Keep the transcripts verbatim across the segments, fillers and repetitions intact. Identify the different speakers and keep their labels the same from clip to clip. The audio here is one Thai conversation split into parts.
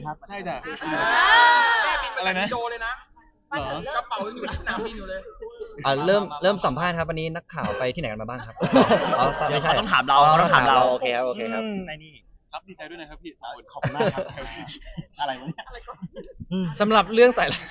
Speaker 1: ครับใช่จ้ะ
Speaker 2: อะไรนะ
Speaker 1: โดเลยนะกระเป๋ายังอยู่ที่สนามบินอยู่เลย
Speaker 3: อ่าเริ่มเริ่มสัมภาษณ์ครับวันนี้นักข่าวไปที่ไหนกันมาบ้างครับอ๋อไม่ใช่
Speaker 4: ต้องถามเราต้องถามเรา
Speaker 3: โอเคครับโอเคครับ
Speaker 4: ไอ้นี่
Speaker 2: ครับดีใจด้วยนะครับพี่
Speaker 4: ขอบคุณมากครับอะไรวะเนี่ย
Speaker 2: สำหรับเรื่องสายไหล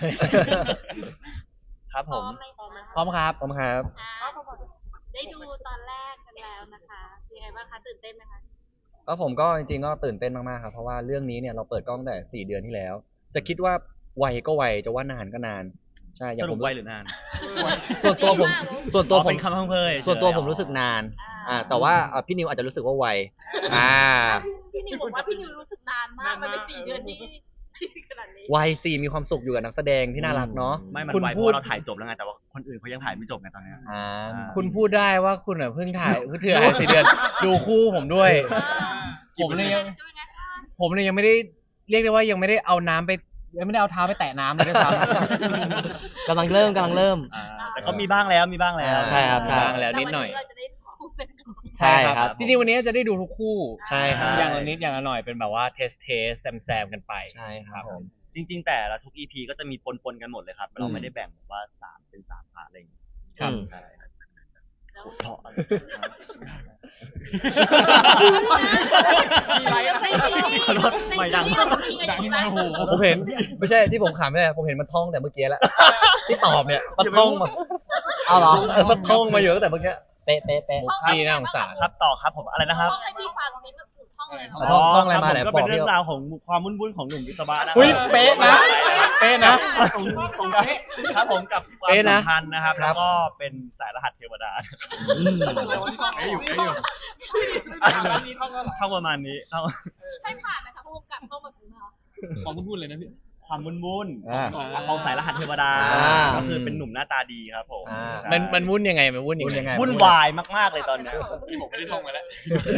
Speaker 4: ครับผม
Speaker 2: พร้อมครับ
Speaker 3: พร้อมครับ
Speaker 5: ได้ดูตอนแรกกันแล้วนะคะยังไงบ้างคะตื่นเต้นไหมคะ
Speaker 3: ก็ผมก็จริงๆก็ตื่นเต้นมากๆครับเพราะว่าเรื่องนี้เนี่ยเราเปิดกล้องแต่สี่เดือนที่แล้วจะคิดว่าไวก็ไวจะว่านานก็นานใช่อย่าง
Speaker 4: สรุ
Speaker 3: ผ
Speaker 4: ป
Speaker 3: ม
Speaker 4: ไวหรือนาน
Speaker 3: ส่วนตัวผมส่วนตัวผม
Speaker 4: เป็นคำพังเพย
Speaker 3: ส่วนตัวผมรู้สึกนานอ่าแต่ว่าพี่นิวอาจจะรู้สึกว่าไวอ่า
Speaker 5: พี่นิวบอกว่าพี่นิวรู้สึกนานมากมันเป็นสี่เดือนที่ขนาดนี้
Speaker 3: ไวสี่มีความสุขอยู่กับนักแสดงที่น่ารักเนาะ
Speaker 4: ไม่มันไวเพราะเราถ่ายจบแล้วไงแต่ว่าคนอื่นเขายังถ่ายไม่จบไงตอนนี้
Speaker 3: อ่า
Speaker 2: คุณพูดได้ว่าคุณเพิ่งถ่ายเพิ่งถ่ายสี่เดือนดูคู่ผมด้วยผมเลยยังผมเลยยังไม่ได้เรียกได้ว่ายังไม่ได้เอาน้ำไปยังไม่ได้เอาเท้าไปแตะน้ำเลยด้วยซ้ำ
Speaker 3: กำลังเริ่มกำลังเริ่ม
Speaker 4: แต่ก็มีบ้างแล้วมีบ้างแล้ว
Speaker 3: ใช่ครับ
Speaker 2: บ้างแล้วนิดหน่อย
Speaker 3: ใช่ครับ
Speaker 2: จริงๆวันนี้จะได้ดูทุกคู่
Speaker 3: ใช่ครับ
Speaker 2: อย่างละนิดอย่างละหน่อยเป็นแบบว่าเทสเทสแซมแซมกันไป
Speaker 3: ใช่ครับผม
Speaker 4: จริงๆแต่ละทุก อี พี ก็จะมีปนๆกันหมดเลยครับเราไม่ได้แบ่งแบบว่าสามเป็นสามพาร์ทอะไรอย่างเงี้ย
Speaker 2: ครับ
Speaker 4: เพราะไม่ดัง
Speaker 2: ดังมาโห
Speaker 3: ผมเห็นไม่ใช่ที่ผมขำเนี่ยผมเห็นมันท่องแต่เมื่อกี้แล้วที่ตอบเนี่ยมันท่องมาเอาเหรอมันท่องมาอยู่ตั้งแต่เมื่อกี้เป๊ะเป๊ะเป๊ะ
Speaker 2: พี่น่าสงสาร
Speaker 4: ครับต่อครับผมอะไรนะครับ
Speaker 5: ให้พี่ฟังนี่มันถูกท่องเลย
Speaker 3: ท่องท่องอะไรมาเนี่ย
Speaker 4: ก็เป็นเรื่องราวของความวุ่นๆของหนุ่มวิศวะนะ
Speaker 2: อุ้ยเป๊ะนะเป๊ะนะครับ
Speaker 4: ผมกับความสัมพันธ์นะครับแล้วก็เป็นสายรหัสเทวดา
Speaker 2: ให้อยู่ให้อยู่
Speaker 4: ท่องประมาณนี้ท่อง
Speaker 5: ให้ผ่านไหมคะผู้กำกับต้องมาถึงเหรอ
Speaker 2: ความวุ่นๆเลยนะพี่
Speaker 4: ความวุ่นๆของสายรหัสเทวดาก็คือเป็นหนุ่มหน้าตาดีครับผม
Speaker 2: มันมันวุ่นยังไงมันวุ่นยังไง
Speaker 4: วุ่นวายมากๆเลยตอนนี้
Speaker 2: ที่ผมไม่ได้ท่องมาแล้ว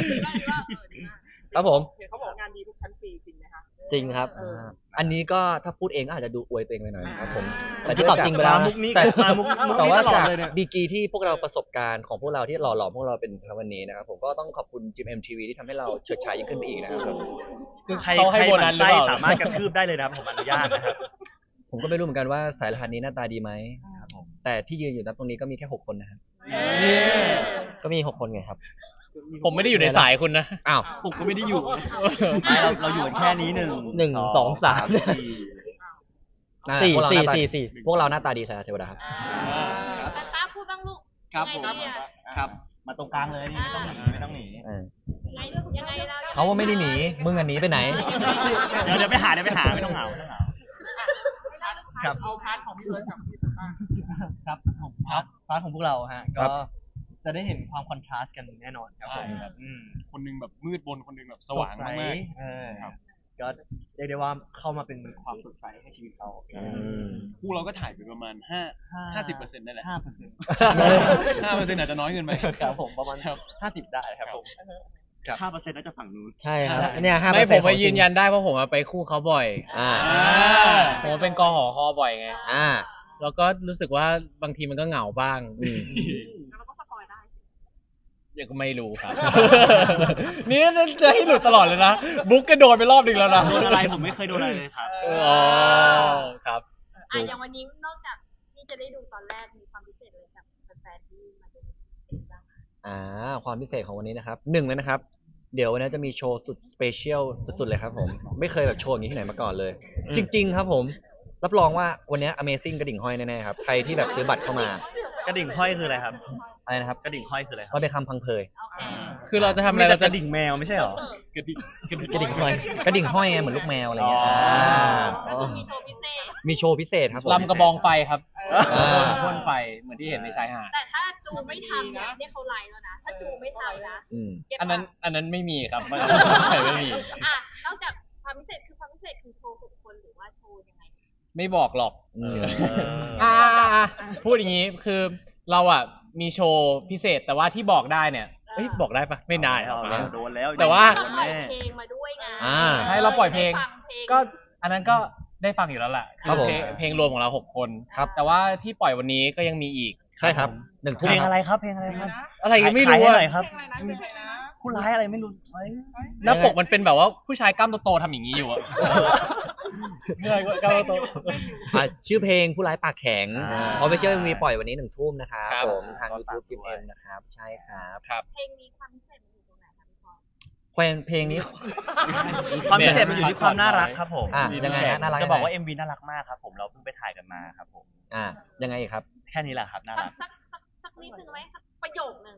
Speaker 3: ครับผม
Speaker 1: เขาบอกงานดีทุกชั้นปีจริงไหมคะ
Speaker 3: จริงครับอันนี้ก็ถ้าพูดเองก็อาจจะดูอวยตัวเองไปหน่อยครับผมแต่
Speaker 4: ที่ตอบจริงไปแล้วมุกนี้แต่มุก
Speaker 3: แต่ว่าจากดีกีที่พวกเราประสบการณ์ของพวกเราที่หล่อหลอมพวกเราเป็นวันนี้นะครับผมก็ต้องขอบคุณจิม เอ็ม ที วี ที่ทำให้เราเฉิดฉายยิ่งขึ้นไปอีกนะครับ
Speaker 4: คือใครใครหมั่นไส้สามารถกระทืบได้เลยนะครับผมอนุญาตนะครับ
Speaker 3: ผมก็ไม่รู้เหมือนกันว่าสายรหัสนี้หน้าตาดีไหมแต่ที่ยืนอยู่ณตรงนี้ก็มีแค่หกคนนะครับก็มีหกคนไงครับ
Speaker 2: ผมไม่ได้อยู่ในสายคุณนะ
Speaker 3: อ้าว
Speaker 4: ผมก็ไม่ได้อยู่เราเราอยู่แค่นี้หนึ่ง
Speaker 3: หนึ่งสองสามสี่สี่สี่สี่พวกเราหน้าตาดีสายเทวดาครับ
Speaker 5: ตาพูดบ้างลูก
Speaker 4: ครับผมครับมาตรงกลางเลยนี่ไม่ต้องหนีไม่ต้องหนี
Speaker 5: ยังไงเรา
Speaker 3: เขาว่าไม่ได้หนีมึงอันนี้ไปไหน
Speaker 4: เดี๋ยวเดี๋ยวไปหาเดี๋ยวไปหาไม่ต้องเหงาไม่ต้องเหงา
Speaker 1: ครับเอาพาร์ทของพี่เบิร์ดกับพี่ป้า
Speaker 4: ครับผมครับพาร์ทของพวกเราฮะก็จะได้เห็นความคอนทราสต์กันแน่นอนครับผมแบบ
Speaker 2: คนนึงแบบมืดบนคนนึงแบบสว่างมาก
Speaker 4: ๆก็เรียกได้ว่าเข้ามาเป็นความสดใสให้ชีวิตเขา
Speaker 2: คู่เราก็ถ่ายไปประมาณห้าห้าสิบเปอร์เซ็นต์ได้แหละ
Speaker 4: ห้าเปอร์เซ็นต์
Speaker 2: ห้าเปอร์เซ็นต์อาจจะน้อยเกินไป
Speaker 4: ครับผมประมาณห้าสิบได้ครับผมห้าเปอร์เซ็นต์น่าจะฝั่งนู้น
Speaker 3: ใช่ครับเนี่ยห้าเปอ
Speaker 2: ร์
Speaker 3: เซ็นต์
Speaker 2: ไม่ผมไปยืนยันได้เพราะผมไปคู่เขาบ่อยอ่าผมเป็นกอหอคอบ่อยไง
Speaker 3: อ่า
Speaker 2: แล้วก็รู้สึกว่าบางทีมันก็เหงาบ้าง
Speaker 5: เราก็สปอยได้
Speaker 2: ยังก็ไม่รู้ครับนี่จะให้หลุดตลอดเลยนะบุ๊กก็โดนไปรอบนึงแล้วนะ
Speaker 4: โดนอะไรผมไม่เคยโดนอะไรเลยครับ
Speaker 2: อ๋อครับ
Speaker 5: อ่ะอย่างวันนี้นอกจากที่จะได้ดูตอนแรกมีความพิเศษเลยกับแฟนๆที่มาดูบ้าง
Speaker 3: อ่าความพิเศษของวันนี้นะครับหนึ่งเลยนะครับเดี๋ยววันนี้จะมีโชว์สุดสเปเชียลสุดๆเลยครับผมไม่เคยแบบโชว์อย่างนี้ที่ไหนมาก่อนเลยจริงๆครับผมรับรองว่าวันนี้ Amazing กระดิ่งห้อยแน่ๆครับใครที่แบบซื้อบัตรเข้าม
Speaker 4: ากระดิ่งห้อยคืออะไรครับ
Speaker 3: อะไรนะครับ
Speaker 4: กระดิ่งห้อยคืออะไรครับ
Speaker 3: มันเป็นคำพังเพย
Speaker 2: คือเราจะทำอะไรเราจะ
Speaker 4: ดิ่งแมวไม่ใช่หรอ
Speaker 2: กระดิ่ง
Speaker 3: กระดิ่งห้อยกระดิ่งห้อยไงเหมือนลูกแมวอะไรเงี้ยมีโชว์พิเศษครับ
Speaker 2: ลำกระบองไฟครับพ่นไฟเหมือนที่เห็นในชายหาด
Speaker 5: แต่ถ้าจูไม่ทำเนี่ยเนี่ยเขาไลน์แล้วนะถ้าจูไม่ทำนะ
Speaker 2: อันนั้นอันนั้นไม่มีครับไม่มี
Speaker 5: อ่ะนอกจากความพิเศษคือความพิเศษคือโชว์หกคนหรือว่าโชว์ยังไง
Speaker 2: ไม่บอกหรอกอ่าพูดอย่างนี้คือเราอ่ะมีโชว์พิเศษแต่ว่าที่บอกได้เนี่ยเอ้ยบอกได้ปะไม่ได้ครับ
Speaker 4: โดนแล้ว
Speaker 2: แต่ว่า
Speaker 5: ปล่อยเพลงมาด้วยไง
Speaker 2: ใช่เราปล่อยเพลงก็อันนั้นก็ได้ฟังอยู่แล้วแหละคือเพลงรวมของเราหกคนครับแต่ว่าที่ปล่อยวันนี้ก็ยังมีอีก
Speaker 3: ใช่ครับหนึ่ง
Speaker 4: เพลงอะไรครับเพลงอะไรครับ
Speaker 2: อะไรยังไม่รู้
Speaker 4: อะไรครับผู้ร้ายอะไรไม่รู้เอ้ย
Speaker 2: หน้าปกมันเป็นแบบว่าผู้ชายกล้ามโตๆทำอย่างนี้อยู่อะเมื่อยกล้ามโต
Speaker 3: อ่ะชื่อเพลงผู้ร้ายปากแข็ง
Speaker 2: อ่า
Speaker 3: ออฟฟิเชียลมีปล่อยวันนี้หนึ่งทุ่มนะครับ
Speaker 2: ครับ
Speaker 3: ผมทาง
Speaker 2: ก็ฝาก
Speaker 3: YouTube จิม
Speaker 2: ด้ว
Speaker 3: เอ็
Speaker 2: ย
Speaker 3: มนะครับ ใช่ครับ
Speaker 2: ครับ
Speaker 5: เพลงนี้ความพิเศษมันอยู่ตรงไหนคะพี่พอ
Speaker 3: เพลงเพลงนี้
Speaker 4: ความพิเศษมันอยู่ที่ความน่ารักครับผม
Speaker 3: อ่ะยังไงฮะน่ารัก
Speaker 4: จะบอกว่า
Speaker 3: ยังไง
Speaker 4: เอ็ม วี น่ารักมากครับผมเราเพิ่งไปถ่ายกันมาครับผม
Speaker 3: อ่ะยังไงอีกครับ
Speaker 4: แค่นี้แหละครับน่า
Speaker 5: สัก
Speaker 4: รัก
Speaker 5: สักสักสักนิดนึงไหมสักประโยคหนึ่ง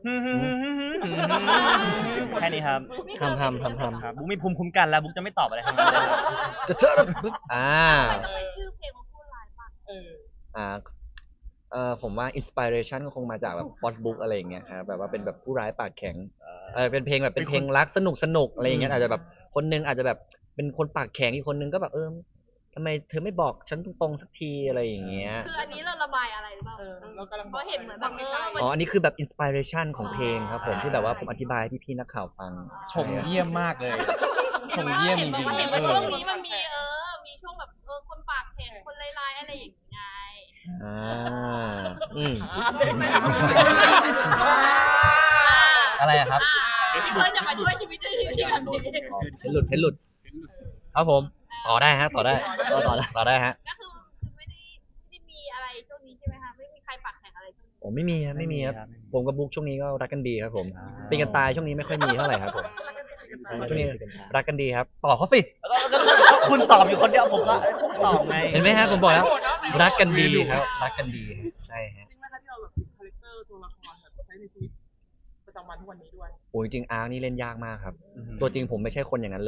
Speaker 4: แค่นี้ครับ
Speaker 3: ทำทำทำทำ
Speaker 4: ครับบุ๊กมีภูมิคุ้มกันแล้วบุ๊กจะไม่ตอบอะไรทั้งนั้นเลยครับ
Speaker 3: กระเทอะปึ๊บอ่า
Speaker 5: ทำไมชื่อเพลงมันพูดลายปาก
Speaker 1: เออ
Speaker 3: อ่าเอ่อผมว่าอินสปิเรชันก็คงมาจากแบบฟอสบุ๊กอะไรอย่างเงี้ยครับแบบว่าเป็นแบบผู้ร้ายปากแข็งเออเป็นเพลงแบบเป็นเพลงรักสนุกสนุกอะไรอย่างเงี้ยอาจจะแบบคนนึงอาจจะแบบเป็นคนปากแข็งอีกคนนึงก็แบบเออทำไมเธอไม่บอกฉันตรงๆสักทีอะไรอย่างเงี้ย
Speaker 5: คืออันนี้เราระบายอะไรหรือเปล่า
Speaker 1: เออเรากำลัง
Speaker 5: เพราะเห็นเหมือนแบบเออมัน
Speaker 3: อ๋ออันนี้คือแบบอินสปิเรชันของเพลงครับผมที่แบบว่าผมอธิบายให้พี่ๆนักข่าวฟัง
Speaker 2: ชมเยี่ยมมากเลย ชมเยี่ยมจริง
Speaker 5: เห็น
Speaker 2: ๆ
Speaker 5: ว่า
Speaker 2: เอ
Speaker 5: ช่ว
Speaker 2: อง
Speaker 5: นี้มันมีเออ มีช่วงแบบเออคนปากแข็งคนลายๆอะไรอย่างเงี้ย
Speaker 3: อ่าอืม อะไรอะครับ
Speaker 5: เพื่อจะมาช่วยชีวิตได้ทีแบบนี้
Speaker 3: อ๋อเพชรหลุดเพชรหลุดครับผมต่อได้ฮะต่อได้ต่อต่อต่อได้ฮะ
Speaker 5: ก็คือคือไม่ได้ไม่ได้มีอะไรช่วงนี้ใช่ไหมคะไม่มีใครปากแข็งอะไรช่วงนี้
Speaker 3: ผมไม่มีครับไม่มีครับ
Speaker 4: ไม่มีครับ
Speaker 3: ผมกับบุ๊กช่วงนี้ก็รักกันดีครับผมตีกันตายช่วงนี้ไม่ค่อยมีเท่าไหร่ครับผมช่วงนี้รักกันดีครับต่อเขาสิ
Speaker 4: แล้วก็แล้วก็ก็คุณตอบอยู่คนเดียวผมก็ตอบไง
Speaker 3: เห็นไหมฮะผมบอกแล้วรักกันดีครับรักกันดีใช่ฮะ
Speaker 1: จริงไหมคะที่เราแบบคาแรคเตอร์ตัวละครแบบใช้ในชีวิตประจำวันทุกวันนี้ด้วย
Speaker 3: โอ้ยจริงๆอาร์คนี่เล่นยากมากครับ ตัวจริงผมไม่ใช่คนอย่างนั้นเลย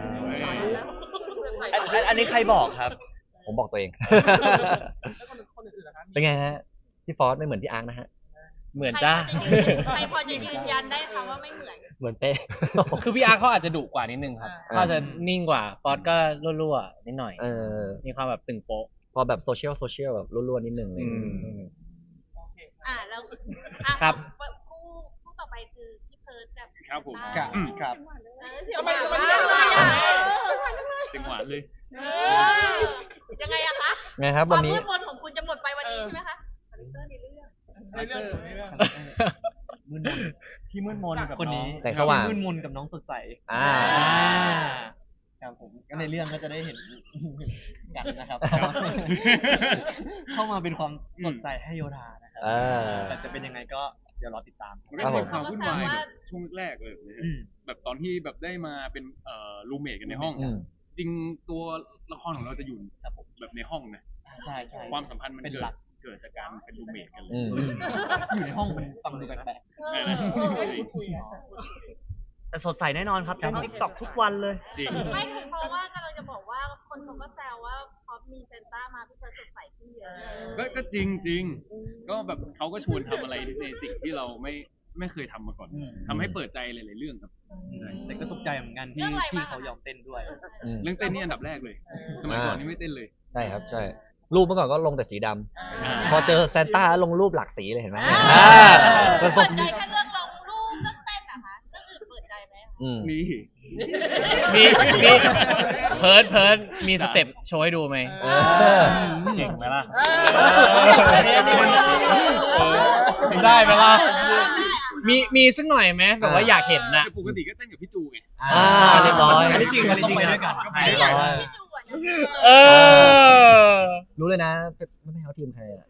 Speaker 4: อันอันอันนี้ใครบอกครับ
Speaker 3: ผมบอกตัวเอง
Speaker 1: แล้วคนคนอื่นๆล่ะคะ
Speaker 3: เป็นไงฮะพี่ฟอสไม่เหมือนพี่อาร์คนะฮะ
Speaker 2: เหมือนจ้า
Speaker 5: ใครพอจะยืนยันได้คะว่าไม่เหมือน
Speaker 3: เหมือนเป๊ะ
Speaker 2: คือพี่อาร์เขาอาจจะดุกว่านิดนึงครับ
Speaker 3: อ่า
Speaker 2: เขาอาจจะนิ่งกว่าฟอสก็รั่วๆนิดหน่อย
Speaker 3: เออ
Speaker 2: มีความแบบตึงโป๊ะ
Speaker 3: พอแบบโซเชียลโซเชียลแบบล้วนๆนิดนึงเลย
Speaker 2: อืม
Speaker 3: อืม
Speaker 1: โอเค
Speaker 5: อ่าแล้วอ่ะ
Speaker 2: ครับ
Speaker 5: คู่คู่ต่อไปคือพี่เพิร์ดกับ
Speaker 6: ครับผม
Speaker 5: ต้า
Speaker 4: ครับ
Speaker 5: เออเสียงหวานมากเลยอ่ะ
Speaker 6: เสียงหวานเลย
Speaker 5: เออยังไงอะคะ
Speaker 3: ไงครับ
Speaker 5: ควา
Speaker 3: วั
Speaker 5: ม
Speaker 3: นนี้
Speaker 5: มืดมนของคุณจะหมดไปวันนี้ใช่ไหมคะคาแรคเตอร์ในเรื่อง
Speaker 1: ในเรื่องในเรื่อง
Speaker 4: มืดมนพี่มืดมนกับ
Speaker 1: คนนี้
Speaker 4: อง
Speaker 3: แสงสว่าง
Speaker 4: พี่มืดมนกับน้องสดใส
Speaker 3: อ่า
Speaker 4: ครับผมก็ในเรื่องก็จะได้เห็นกันนะครับ เข้ามาเป็นความสดใสให้โยธานะครั
Speaker 3: เออ
Speaker 4: แต่จะเป็นยังไงก็เดี๋ยวรอติดตาม
Speaker 6: มันก็มีความวุ่นวายแบบช่วงแรกๆเลยนะฮะ
Speaker 4: อืม
Speaker 6: แบบตอนที่แบบได้มาเป็นเอ่อรูเมทกันในห้อง
Speaker 3: อืม
Speaker 6: จริงตัวละครของเราจะอยู่ครับผมแบบในห้องนะ
Speaker 4: ใช่ใช่
Speaker 6: ความสัมพันธ์มัน
Speaker 4: เป็น
Speaker 6: เกิ
Speaker 4: หลั
Speaker 6: ด
Speaker 4: ก
Speaker 6: เกิดจากการเป็นรูเมทกันเลย
Speaker 3: อืม
Speaker 4: อยู่ในห้องมันฟังดูแปลก
Speaker 5: เออ
Speaker 1: พูดคุยอ่ะ
Speaker 4: ๆแต่สดใสแน่นอนครับเล่นติ๊กต็อกทุกวันเลย
Speaker 6: จริง
Speaker 5: ไม่คือเพราะว่ากำลังจะบอกว่าคนเขาก็แซวว่าพอมีเซนต้ามาพี่เพิร์ดสดใสขึ้นเยอะ
Speaker 6: ก็ก็จริงจริงก็แบบเขาก็ชวนทำอะไรในสิ่งที่เราไม่ไม่เคยทำมาก่อน
Speaker 4: อืม
Speaker 6: ทำให้เปิดใจหลายๆเรื่องครับ
Speaker 4: แต่ก็ตกใจเหมือนกันที่ที่เขายอมเต้นด้วย
Speaker 3: อืม
Speaker 6: เรื่องเต้นนี่อันดับแรกเลย สมัยก่อนนี่ไม่เต้นเลย
Speaker 3: ใช่ครับใช่ รูปเมื่อก่อนก็ลงแต่สีดำ
Speaker 6: อ่า
Speaker 3: พอเจอแซนต้าลงรูปหลากสีเลยเห็นไหม
Speaker 5: อ่า
Speaker 3: อ่าเป็น
Speaker 5: เปิ
Speaker 3: ส
Speaker 5: ด
Speaker 3: ด
Speaker 5: ใจแค่เรื่องลงรูปเรื่องเต้นเหรอคะเรื่องอื่นเปิดใจไหมคะ
Speaker 3: อืม
Speaker 6: นี่
Speaker 2: มีมีเพิร์ดเพิร์ดมีสเต็ปโชว์ให้ดูไหม
Speaker 3: เออ
Speaker 2: เก่งไหมล่ะ
Speaker 5: เออ
Speaker 2: ได้ไหมล่ะ มีมีสักหน่อยไหมแบบว่าอยากเห็นน่ะ
Speaker 6: แต่ปกติก็เต้นกับพี่จูไง
Speaker 3: อ่าเรียบร้อย
Speaker 4: อันนี้จริงอันนี้จริงนะ
Speaker 3: เรียบร้อย
Speaker 5: พี่จูอ่ะ
Speaker 2: เออ
Speaker 3: รู้เลยนะไม่ให้เขาทีมใครอ่ะ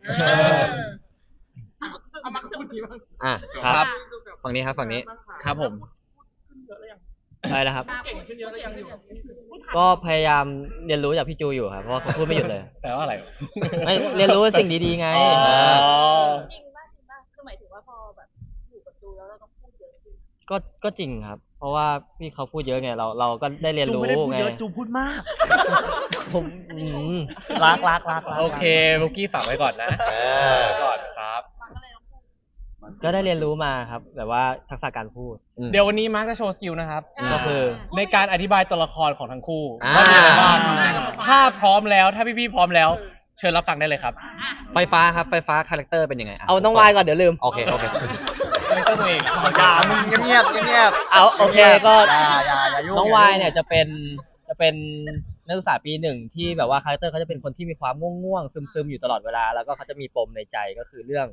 Speaker 1: เอามาพูดทีบ้าง
Speaker 3: อ่ะ
Speaker 2: ครับ
Speaker 3: ฝั่งนี้ครับฝั่งนี้
Speaker 2: ครับผม
Speaker 1: ขึ้นเยอะเลยยัง
Speaker 7: ใช่แล้วครับ
Speaker 1: เก่งขึ้นเยอะเลยยังอยู่
Speaker 7: ก็พยายามเรียนรู้จากพี่จูอยู่ครับ เพราะว่าเขาพูดไม่หยุดเลย
Speaker 2: แต่ว่าอะไร
Speaker 7: ไม่เรียนรู้สิ่งดีๆไง
Speaker 2: อ๋อ
Speaker 7: เออ
Speaker 5: จริงป่ะจริงป่ะคือหมายถึงว่าพอแบบอยู่กับจูแล้วเราต้องพูดเยอะขึ้น
Speaker 7: ก็ก็จริงครับ เพราะว่าพี่เขาพูดเยอะไง เราเราก็ได้เรียน
Speaker 4: จู
Speaker 7: รู้
Speaker 4: ไม่ได้พูด
Speaker 7: ไง
Speaker 4: เยอะจูพูดมาก
Speaker 7: ผมอืม
Speaker 4: รักรักรักรัก
Speaker 2: โอเคบุกกี้ฝากไว้ก่อนนะ
Speaker 3: เออ
Speaker 2: ก่อนครับ
Speaker 5: มันก็เลยต้องพูด
Speaker 7: ก็ได้เรียนรู้มาครับ แบบว่าทักษะการพูด
Speaker 2: เดี๋ยววันนี้มาร์คจะโชว์สกิลนะครับ
Speaker 7: ก็คือ
Speaker 2: ในการอธิบายตัวละครของทั้งคู่
Speaker 3: อ่า
Speaker 2: ว่ามีอะไรบ้างถ้าพร้อมแล้ว ถ้าพี่ๆพร้อมแล้ว เชิญรับฟังได้เลยครับ
Speaker 3: ไฟฟ้าครับไฟฟ้าคาแรคเตอร์เป็นยังไงะ
Speaker 7: เอาต้องวายก่อนเดี๋ยวลืม
Speaker 3: โอเคโอเค
Speaker 2: ไม่ต้องตัวเอง
Speaker 4: อย่ามึงเงียบเงียบ
Speaker 7: เอาโอเคก็
Speaker 4: อย่าอย่าอย่ายุ่ง
Speaker 7: น้องวายเนี่ยจะเป็นจะเป็นนักศึกษาปีหนึ่งที่แบบว่าคาแรคเตอร์เขาจะเป็นคนที่มีความง่วงๆซึมๆอยู่ตลอดเวลา แล้วก็เขาจะมีปมในใจก็คือเรื่อง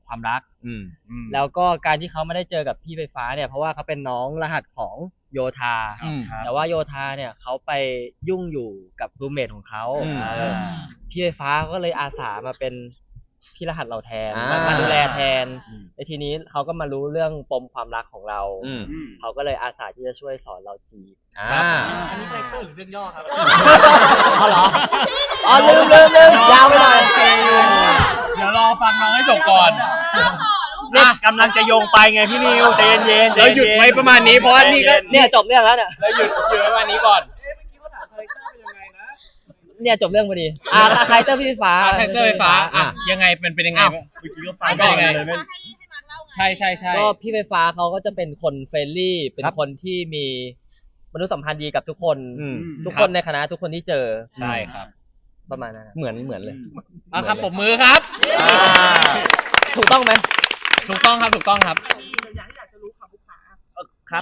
Speaker 7: ความรัก
Speaker 3: อืม
Speaker 7: แล้วก็การที่เขาไม่ได้เจอกับพี่ไฟฟ้าเนี่ยเพราะว่าเขาเป็นน้องรหัสของโยธา
Speaker 2: อืม
Speaker 7: แต่ว่าโยธาเนี่ยเขาไปยุ่งอยู่กับรูเมทของเขา
Speaker 3: อืม
Speaker 7: เออพี่ไฟฟ้าก็เลยอาสามาเป็นพี่รหัสเราแทน
Speaker 3: อ่าม
Speaker 7: มามาดูแลแทนในทีนี้เขาก็มารู้เรื่องปมความรักของเรา
Speaker 3: อืม
Speaker 7: เขาก็เลยอาสาที่จะช่วยสอนเราจีบ
Speaker 3: อ่า
Speaker 1: อันนี้คาแรคเตอร์หรือเรื่องย่อครับ
Speaker 7: อ๋อเหรออ๋อลืมลืมลืมยาวไปหน่อย
Speaker 2: เดี๋ยวรอฟังน้องให้จบก่อน
Speaker 4: เนี่ยกำลังจะโยงไปไงพี่นิวใจเย็นๆใจ
Speaker 2: เราห
Speaker 4: เย็นๆ
Speaker 2: ยุดไว้ประมาณนี้เพราะว่านี่ก็
Speaker 7: เนี่ยจบเรื่องแล้วเนี่ย
Speaker 2: เราหยุดหยุดไว้ประมาณนี้ก่อน
Speaker 1: เอ๊ะเมื่อกี้เขาถามคาแรคเตอร์เป็นยังไงนะ
Speaker 7: เนี่ยจบเรื่องพอดีอ่าใครเตอร์พี่ไฟฟ้า
Speaker 2: อ่ะไทเตอร์ไฟฟ้าอ่ะยังไงเป็นเป็นยังไงบ้าง
Speaker 4: เมื่อกี้ก็ฟัง
Speaker 2: เป็นยังไง
Speaker 4: เลยไม่
Speaker 5: ให้ให้มาร์คเล่าไง
Speaker 2: ใช่ใช่ใช่
Speaker 7: ก็พี่ไฟฟ้าเขาก็จะเป็นคนเฟรนลี่ เป็น
Speaker 3: ครับ
Speaker 7: คนที่มีมนุษยสัมพันธ์ดีกับทุกคน
Speaker 3: อืม
Speaker 7: ทุกคนในคณะทุกคนที่เจอ
Speaker 2: ใช่ครับ
Speaker 7: ประมาณนั้นนะ
Speaker 3: เหมือนเหมือนเลย
Speaker 2: อ่ะครับผมมือครับ
Speaker 7: อ่าถูกต้องไหม
Speaker 2: ถูกต้องครับถูกต้องครับ
Speaker 1: แต่อย่างที่อยากจะรู้ค่ะผู้ขา
Speaker 4: ครับ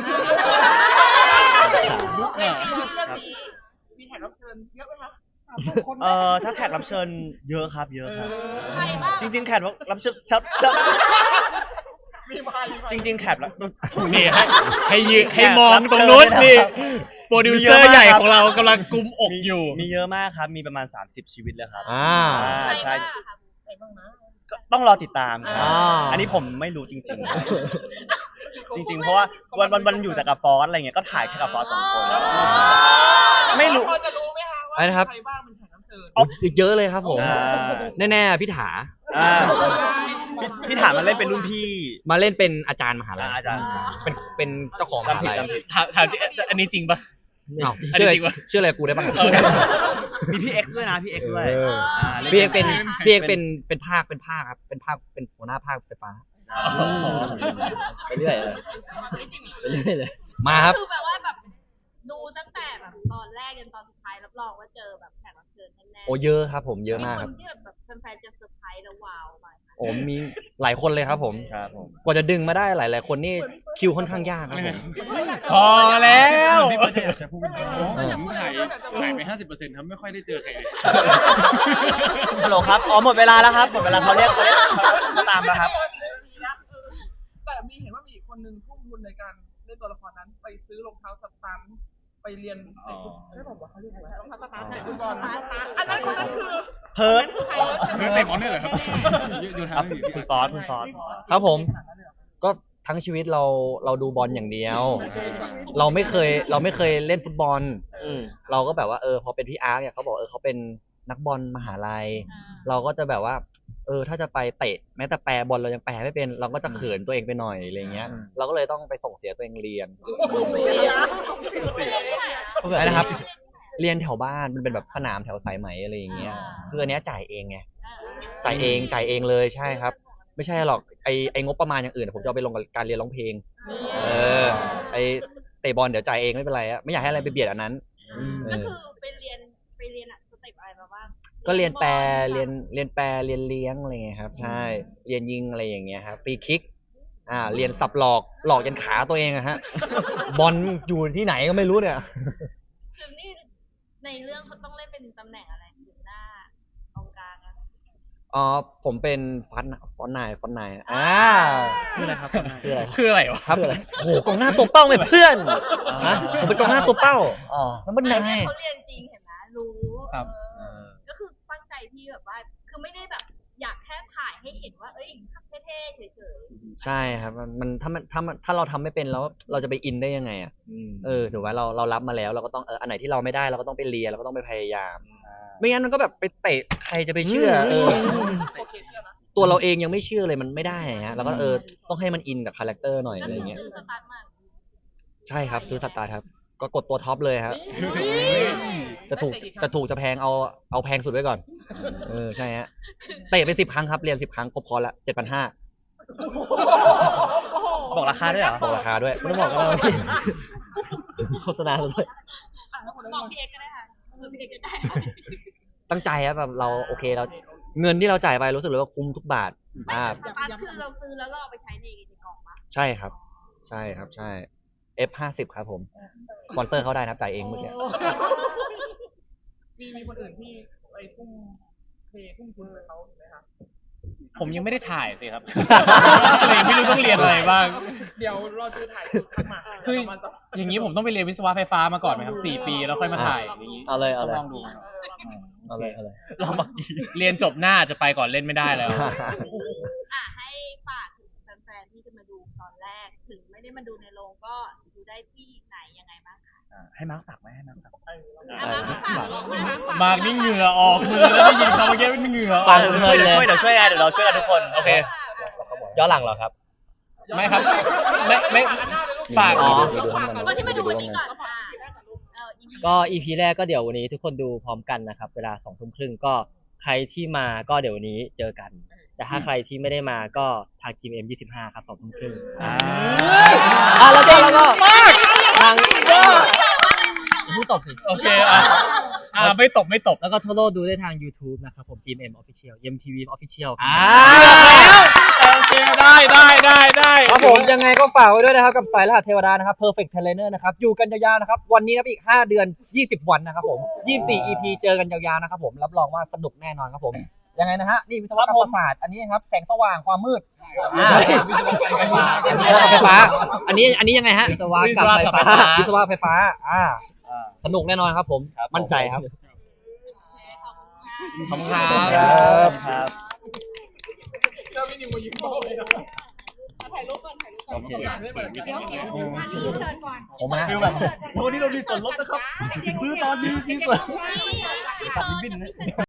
Speaker 1: เรื่องนี้มีแขกรับเชิญเยอะไหมคะสามคน
Speaker 4: เอ่อถ้าแขกรับเชิญเยอะครับเยอะครับ
Speaker 5: ใครบ้าง
Speaker 4: จริงๆแขกรับเชิญชับชับ
Speaker 1: มีมามีมา
Speaker 4: จริง ๆ แขกรับ
Speaker 2: นี่ให้ให้ยืนให้มองตรงนู้นนี่โปรดิวเซอร์ใหญ่ของเรากำลังกุมอกอยู่
Speaker 4: มีเยอะมากครับ มีประมาณสามสิบชีวิตแล้วครับ
Speaker 3: อ่า
Speaker 4: อ่า
Speaker 5: ใคร
Speaker 4: ใช่
Speaker 5: บ้างอะคะ
Speaker 1: ใครบ้างนะ
Speaker 4: ก็ต้องรอติดตามครับ
Speaker 7: อ่า
Speaker 4: อันนี้ผมไม่รู้จริงๆ จริง ๆ เพราะว่าวันวันวันอยู่แต่กับฟอสอะไรเงี้ยก็ถ่ายแค่กับฟอสสองคน ไม่รู้
Speaker 1: พอจะรู้ไหมคะว่า
Speaker 3: อะไรนะครับ
Speaker 1: ใครบ้างเป็นแขกรับเชิญ
Speaker 3: อ๋อเยอะเลยครับผม
Speaker 4: อ่า
Speaker 3: แน่ๆพี่ถา
Speaker 4: อ่าพี่ถามมันเล่นเป็นรุ่นพี่
Speaker 3: มาเล่นเป็นอาจารย์มหาลัย
Speaker 4: อ่าอาจารย์
Speaker 3: เป็นเป็นเจ้าของมหาลัย
Speaker 4: จำผิด
Speaker 2: ถามถามจริงอันนี้จริงปะ
Speaker 3: อ้าว
Speaker 2: อันนี้
Speaker 3: ชื่ออะไร
Speaker 2: จริงปะ
Speaker 3: ชื่ออะไรกูได้บ้าง
Speaker 2: เออ
Speaker 4: มีพี่เอ็กซ์ด้วยนะพี่เอ็กซ์ด้วย
Speaker 3: เออ
Speaker 4: อ่าล่น
Speaker 3: พี่เอกเป็น
Speaker 4: ป็
Speaker 3: พี่เอกเป็นเป็นภาคเป็นภาคครับเป็นภาคเป็นหัวหน้าภาคไฟฟ้า
Speaker 7: ไปเรื่อยเลยไปเรื่อยเลย
Speaker 3: มาครับ
Speaker 5: คือแบบว่าแบบดูตั้งแต่แบบตอนแรกจนตอนสุดท้ายรับรองว่าเจอแบบแขกรับเชิญแน่ๆ
Speaker 3: โอ้เยอะครับผมเยอะมากครับ
Speaker 5: นที่แบบแฟนๆจะเซอร์ไพรส์แล้วว้าวไป
Speaker 3: โอ้มีหลายคนเลยครับผม
Speaker 4: ครับผม
Speaker 3: กว่าจะดึงมาได้หลาย ๆ คนนี่คิวค่อนข้างยากครับผม
Speaker 2: พอแล้ว
Speaker 6: พี่เบิร์ดอยากจะพูดเป็นผมถ่ายถ่ายไปห้าสิบเปอร์เซ็นต์ครับไม่ค่อยได้เจอใครเลย
Speaker 4: ฮัลโหลครับอ๋อหมดเวลาแล้วครับหมดเวลาเขาเรียกเขาเรียกเขาตามแล้วครับ
Speaker 1: แต่มีเห็นว่ามีอีกคนนึงทุ่มทุนในการเล่นตัวละครนั้นไปซื้อรองเท้าสตันไปเรียนเตะฟุตไม่บอกว่าเขาเรียกอะไรรองเท้าสตันเตะฟุตบอลอันนั้นคนนั้นคือ
Speaker 4: เพิร์ด
Speaker 6: เรื่องเตะบอลเนี่ยเหรอครับอยู่อยู่
Speaker 4: ค
Speaker 6: ทา
Speaker 4: รั
Speaker 6: ง
Speaker 4: บ
Speaker 6: นี้
Speaker 4: คุณฟอสคุณฟอส
Speaker 3: ครับผม ก็ทั้งชีวิตเราเราดูบอลอย่างเดียว เราไม่เคยเราไม่เคยเล่นฟุตบอล
Speaker 7: อืม
Speaker 3: เราก็แบบว่าเออพอเป็นพี่อาร์ตเนี่ยเขาบอกเออเขาเป็นนักบอลมหาลัย เราก็จะแบบว่า เออถ้าจะไปเตะแม้แต่แปรบอลเรายังแปรไม่เป็น เราก็จะเขินตัวเองไปหน่อยอะไรเงี้ย เราก็เลยต้องไปส่งเสียตัวเองเรียน ใช่นะครับ เรียนแถวบ้านมันเป็นแบบสนามแถวสายไหมอะไรอย่างเงี้ยคืออันเนี้ยจ่ายเองไงจ่ายเองจ่ายเองเลยใช่ครับ ไม่ใช่หรอกไอไองบประมาณอย่างอื่นผมจะเอาไปลงกับการเรียนร้องเพลง เออ ไอเตะบอลเดี๋ยวจ่ายเองไม่เป็นไรอะไม่อยากให้อะไรไปเบียดอันนั้นเอ
Speaker 5: ก็
Speaker 3: อ
Speaker 5: คือไปเรียนไปเรียนอะสเต็ปอะไรมาบ้าง
Speaker 3: ก็เรียนแปลเรียนเรียนแปลเรียนเลี้ยงอะไรเงี้ยครับ ใช่เรียนยิงอะไรอย่างเงี้ยครับฟรีคิก อ่า เรียนสับหลอกหลอกยันขาตัวเองอะฮะ บอลอยู่ที่ไหนก็ไม่รู้เนี่ย
Speaker 5: คือนี่ในเรื่องเขาต้องเล่นเป็นตำแหน่งอะไรอยู่หน้ากองกลางอะ
Speaker 3: อ๋อผมเป็นฟันฟอนนายฟอนนายอ่า
Speaker 4: คืออะไรครับ
Speaker 3: คืออะไร
Speaker 2: คืออะไรวะ
Speaker 3: ครับโอ้โหกองหน้าตัวเป้าไหมเพื่อนฮะผมเป็นกองหน้าตัวเป้า
Speaker 7: อ๋อ
Speaker 3: แล้วมัน
Speaker 5: ไม่
Speaker 3: นาย
Speaker 5: เขาเรียนจริงเห็นไหมรู้
Speaker 2: ครับ
Speaker 5: เออก็คือตั้งใจที่แบบว่า คือไม่ได้แบบอยากแค่ถ่ายให้เห็นว่า เอ้ยเท่ๆเฉย
Speaker 3: ใช่ครับมันมันถ้ามันถ้ามันถ้าเราทำไม่เป็นแล้วเราจะไปอินได้ยังไงอ่ะเออถือว่าเราเรารับมาแล้วเราก็ต้องเอออันไหนที่เราไม่ได้เราก็ต้องไปเรียนเราก็ต้องไปพยายาม ไม่งั้นมันก็แบบไปเตะใครจะไปเชื่อเออ
Speaker 1: โอเคเชื่อนะ
Speaker 3: ตัวเราเองยังไม่เชื่อเลยมันไม่ได้ฮะแล้วก็เออต้องให้มันอินกับคาแรคเตอร์หน่อย
Speaker 5: ๆ
Speaker 3: อะไรเงี้ย
Speaker 5: คือสตาร์ทมา
Speaker 3: ใช่ครับซื้อสตาร์ครับก็กดตัวท็อปเลยครับจะถูกจะถูกจะแพงเอาเอาแพงสุดไว้ก่อนเออใช่ฮะเตะไปสิบครั้งครับเรียนสิบครั้งครบคอร์สละเจ็ดพันห้า
Speaker 4: บอกราคาด้วยเหรอ
Speaker 3: บอกราคาด้วย
Speaker 7: ไม่ต้องบอกก็ได้ว่าพี่โฆษณาเลย
Speaker 5: บอกพี่เอกก็ได้ค่ะเออพี่เอกก็ได้
Speaker 3: ตั้งใจครับแบบเราโอเคเราเงินที่เราจ่ายไปรู้สึกเลยว่าคุ้มทุกบาทอ่า
Speaker 5: สตาร์ทคือเราซื้อแล้วเราเอาไปใช้ในในกล่องปะ
Speaker 3: ใช่ครับ ใช่ครับใช่ เอฟ ห้าสิบครับผมสปอนเซอร์เข้าได้นะครับจ่ายเองเมื่อกี้
Speaker 1: มีมีคนอื่นที่ไปทุ่มเททุ่มทุนกับเขาไหมคะ
Speaker 2: ผมยังไม่ได้ถ่ายสิครับ เลยไม่รู้ต้องเรียนอะไรบ้าง
Speaker 1: เดี๋ยวรอดูถ่ายทักมา
Speaker 2: คือ
Speaker 1: เดี๋ยวเรามาต่อ
Speaker 2: อย่างนี้ผมต้องไปเรียนวิศวะไฟฟ้ามาก่อนไหมครับสี่ปีแล้วค่อยมาถ่ายอย่างนี้
Speaker 3: เอาเลยเอาเลย
Speaker 2: ลองดูครับ
Speaker 3: เอาเลยเอาเลย
Speaker 4: เราบักดี
Speaker 2: เรียนจบหน้าจะไปก่อนเล่นไม่ได้แล้ว
Speaker 5: อ่ะให้ฝากถึงแฟนๆที่จะมาดูตอนแรก ถึงไม่ได้มาดูในโรงก็ดูได้ที่ไหนยังไงบ้างคะ
Speaker 4: ให้มาร์คฝากไหมให้มาร์คฝาก
Speaker 5: อ่ะมาฝากลงมาฝาก
Speaker 2: มากนี่เหงื่อออกมือแล้วได้ยินคำเมื่อกี้เป็นเหงื่อออก
Speaker 7: ฟังเพลินเลย
Speaker 4: เดี๋ยวช่วยเดี๋ยวเราช่วยกันทุกคน
Speaker 2: โอเค
Speaker 7: ย้อนหลังเหรอครับ
Speaker 2: ไม่ครับ ไม่ไม่ฝาก
Speaker 7: อ๋อ
Speaker 5: คนที่มาดูวันนี้ก่อนค่ะเออ อี พี
Speaker 7: ก็ อี พี แรกก็เดี๋ยววันนี้ทุกคนดูพร้อมกันนะครับ เวลาสองทุ่มครึ่งก็ใครที่มาก็เดี๋ยววันนี้เจอกัน แต่ถ้าใครที่ไม่ได้มาก็ทาง จี เอ็ม ยี่สิบห้าครับสองทุ่มครึ่ง
Speaker 2: อ่า
Speaker 7: อ่ะแล้วก็แล้วก็ทางผู้ตบสิ
Speaker 2: โอเคอ่ะอ่าไม่ตบไม่ตบ
Speaker 7: แล้วก็ทั่วโลกดูได้ทาง YouTube นะครับผม จี เอ็ม Official เอ็ม ที วี Official
Speaker 2: อ่าโอเคได้ได้ได้ได้
Speaker 3: ครับผมยังไงก็ฝากไว้ด้วยนะครับกับสายรหัสเทวดานะครับ Perfect Trainer นะครับอยู่กันยาวๆนะครับวันนี้นะครับอีกห้าเดือนยี่สิบวันนะครับผมยี่สิบสี่ อี พี เจอกันยาวๆนะครับผมรับรองว่าสนุกแน่นอนครับผมยังไงนะฮะนี่วิศวกรรมศาสตร์อันนี้ครับแสงสว่างความมืดอ่าวิศวกรรมไฟฟ้าไฟฟ้าอันนี้อันนี้ยังไงฮะ
Speaker 7: วิศวะกับไฟฟ้า
Speaker 3: วิศวะไฟฟ้าอ่าสนุกแน่นอนครับผมมั่นใจครับ
Speaker 2: ขอบคุณครับ
Speaker 3: ครับ
Speaker 4: ครับ
Speaker 1: เจ้าพี่นิวมายิ้มโตเลยนะถ่ายรูปก่อนถ่ายรูปก่อนไม่เหมือนกัน
Speaker 5: เดี๋ยวเดี๋ยวมาที่เชิญก่อน
Speaker 3: ผมนะ
Speaker 4: ฟิลแบบวันนี้เรามีส่วนลดนะครับคือตอนนี้มีส่วน
Speaker 5: พี่
Speaker 4: ตัด
Speaker 5: เปิ
Speaker 4: ริบบิ้น
Speaker 5: ด
Speaker 4: นะ
Speaker 5: พี่เปิด